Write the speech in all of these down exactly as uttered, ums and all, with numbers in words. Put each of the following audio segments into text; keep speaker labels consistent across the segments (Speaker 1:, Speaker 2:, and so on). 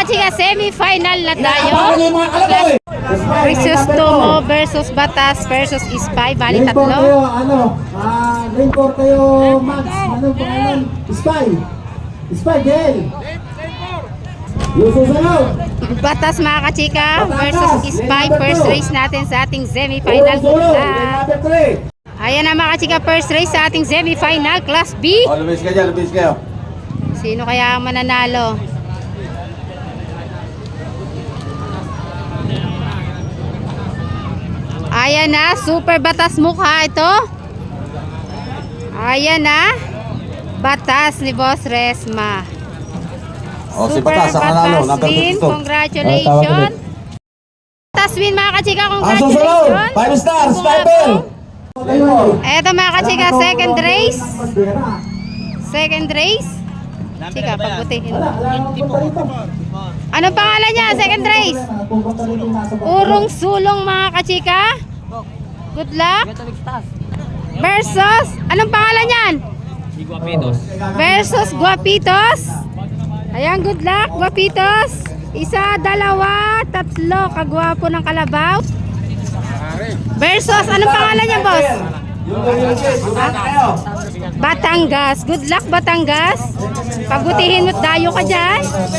Speaker 1: kachika, semi-final na tayo.
Speaker 2: Inapakan niyo yung mga kalabaw eh.
Speaker 1: Crisostomo versus Batas versus Ispay. Bali
Speaker 2: Rainbow kayo,
Speaker 1: tatlo.
Speaker 2: ano, ah, rainbow kayo, Max, ano pangalan? Spy. Spy, Gail. Yung susunod.
Speaker 1: Batas mga kachika versus Ispay. First race natin sa ating semi-final.
Speaker 2: Sulong,
Speaker 1: Good
Speaker 2: lane
Speaker 1: luck.
Speaker 2: number three.
Speaker 1: Ayan na mga kachika, first race sa ating semi-final. Class B.
Speaker 3: Oh, lumis ka dyan, lumis kayo.
Speaker 1: Sino kaya ang mananalo? Ayan na, super batas mukha ito. Ayan na, batas ni Boss Resma.
Speaker 3: Oh, si
Speaker 1: Super
Speaker 3: Batas ang nanalo.
Speaker 1: batas
Speaker 3: Number
Speaker 1: win,
Speaker 3: fifty-two.
Speaker 1: congratulations. Batas win mga kachika,
Speaker 3: Ang susunod,
Speaker 1: congratulations.
Speaker 3: five star, sniper.
Speaker 1: Eto mga kachika, second race. Second race. Chika, pagbutihin. Anong pangalan niya? Second race. Urong sulong mga kachika. Good luck. Versus, anong pangalan niyan? Versus Guapitos. Ayan, good luck Guapitos. Isa, dalawa, tatlo. Kagwapo ng kalabaw. Versus, anong pangalan niya, boss? Batangas. Good luck Batangas. Pagbutihin mo't dayo ka dyan.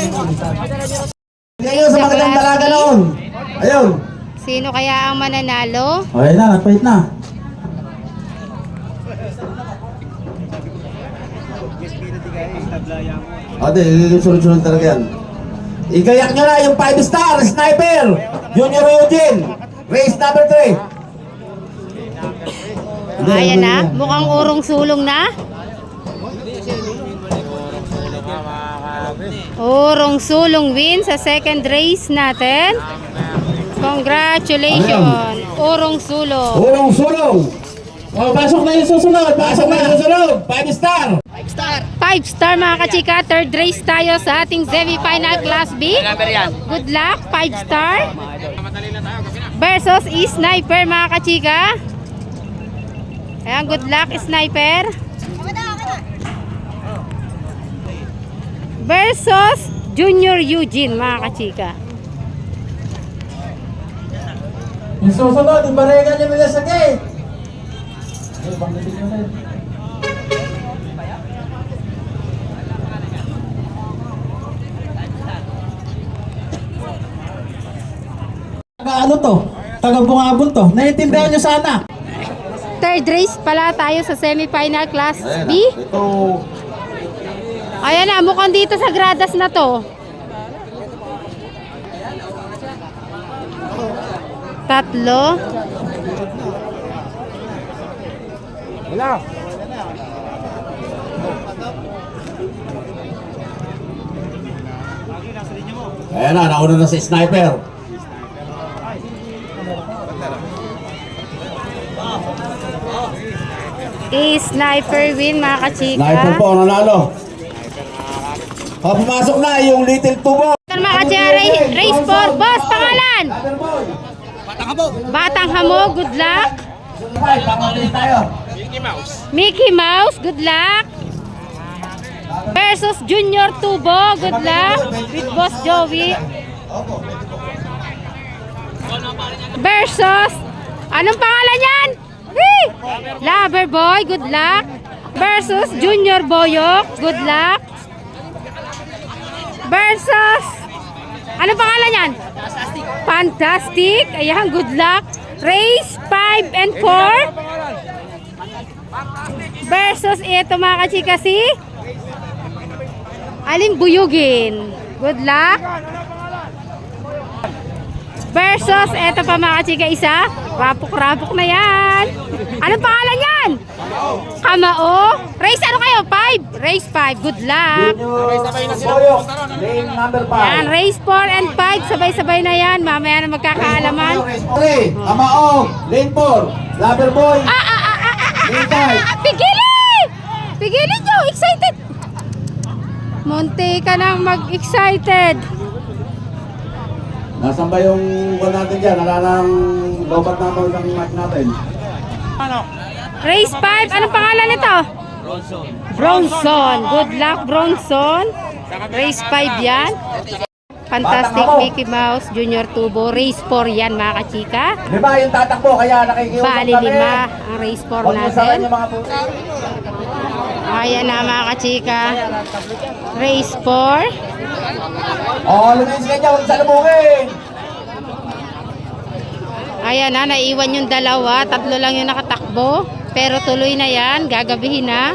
Speaker 2: Ngayon sa magandang dalaga noon. Ayun.
Speaker 1: Sino kaya ang mananalo?
Speaker 2: Okay na, nagpahit na.
Speaker 3: O, di, sunod-sunod talaga yan.
Speaker 2: Igayak nyo na yung five star sniper. Junior Eugene. Race number three.
Speaker 1: Ayan na, mukhang urong sulong na. Urong sulong win sa second race natin. Congratulations, urong sulong.
Speaker 2: Ulong sulong. Oh, pasok na yung susunod. Pasok na yung susunod. five star.
Speaker 1: five star mga kachika, third race tayo sa ating semi-final class B. Good luck, five star. Versus sniper mga kachika. Ayan, good luck sniper. Versus Junior Eugene mga kachika.
Speaker 2: Yung susunod, yung barengan nyo nila sa gate. Taga ano to? Taga Bungabon to. Naiintindihan nyo sana.
Speaker 1: Third race pala tayo sa semi-final class
Speaker 3: Ayan
Speaker 1: B.
Speaker 3: na. Ito,
Speaker 1: Ayan na, mukhang dito sa gradas na to. Tatlo.
Speaker 2: Wala.
Speaker 3: ayan na, nauna na si sniper.
Speaker 1: I-sniper win mga kachika.
Speaker 3: Sniper po ang nanalo. O, pumasok na yung little tubo.
Speaker 1: Ito mga kachika, race, race four. Boss, pangalan? Batang Hamo, good luck.
Speaker 2: tayo.
Speaker 1: Mickey Mouse, good luck. Versus Junior Tubo, good luck. With Boss Joey. Versus, anong pangalan yan? Whee! Lover Boy, good luck. Versus Junior Boyok, good luck. Versus, anong pangalan yan? Fantastic. Ayan, good luck. Race five and four. Versus ito mga kachika si Aling Buyugin. Good luck. Versus ito pa mga kachika isa. Rapok-rapok na yan. Anong pangalan yan? Kamao. Race ano kayo? five. Race five. Good luck.
Speaker 2: Boyok. Lane number
Speaker 1: Yan,
Speaker 2: five.
Speaker 1: race four and five. Sabay-sabay na yan. Mamaya na magkakaalaman.
Speaker 2: three. Amaong. Lane four. Lover boy.
Speaker 1: Ah, ah, ah, ah, ah, ah,
Speaker 2: Lane
Speaker 1: ah,
Speaker 2: five.
Speaker 1: ah, pigilin! Pigilin nyo! Excited! Munti ka nang mag-excited.
Speaker 3: Nasaan ba yung wall natin dyan? Nalanang lobat na ng mic natin.
Speaker 1: Race five. Anong pangalan nito? Bronson. Good luck, Bronson. Race five yan. Fantastic
Speaker 2: Batang ako.
Speaker 1: Mickey Mouse Junior Turbo. Race four yan mga kachika.
Speaker 2: Lima yung tatakbo, kaya nakikiusap
Speaker 1: Bali
Speaker 2: kami.
Speaker 1: lima ang race four
Speaker 2: Huwag niyo sakan
Speaker 1: natin.
Speaker 2: yung mga puto.
Speaker 1: Ayan na mga kachika. Race four.
Speaker 2: Oo, lumis ka niya, huwag salubungin.
Speaker 1: Ayan na, naiwan yung dalawa. Tatlo lang yung nakatakbo. Pero tuloy na yan. Gagabihin na.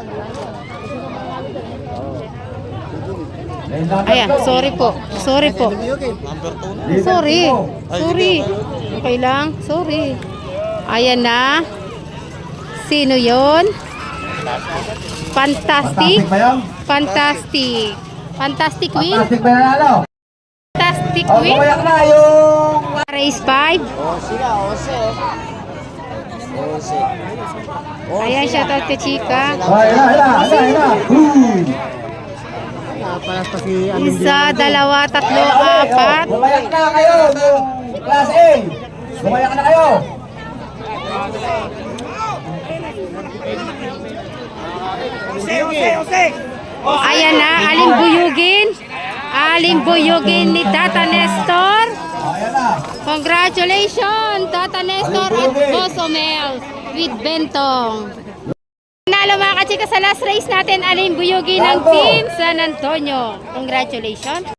Speaker 1: Ayan, sorry po. Sorry po. Sorry. Sorry. Okay lang. Sorry. Ayan na. Sino yon? Fantastic.
Speaker 2: Fantastic ba yun?
Speaker 1: Fantastic. Fantastic win.
Speaker 2: Fantastic ba nanalo?
Speaker 1: Fantastic
Speaker 2: O,
Speaker 1: win.
Speaker 2: kumayak na yung...
Speaker 1: Race five. Ayan, shoutout kay Chika.
Speaker 2: O, ina, ina, ina, ina. Boom!
Speaker 1: Isa, dalawa, tatlo,
Speaker 2: Ayan, ulit, o.
Speaker 1: apat.
Speaker 2: Kumayak na kayo, yung class A. Kumayak na kayo.
Speaker 1: Ayan na, aling buyugin. Aling buyugin ni Tata Nestor.
Speaker 2: O, ayan na.
Speaker 1: Congratulations, Tata Nestor at Boss Omel with Bentong. Nalo mga kachika sa last race natin, aling buyugin ng
Speaker 2: Bravo.
Speaker 1: Team San Antonio. Congratulations.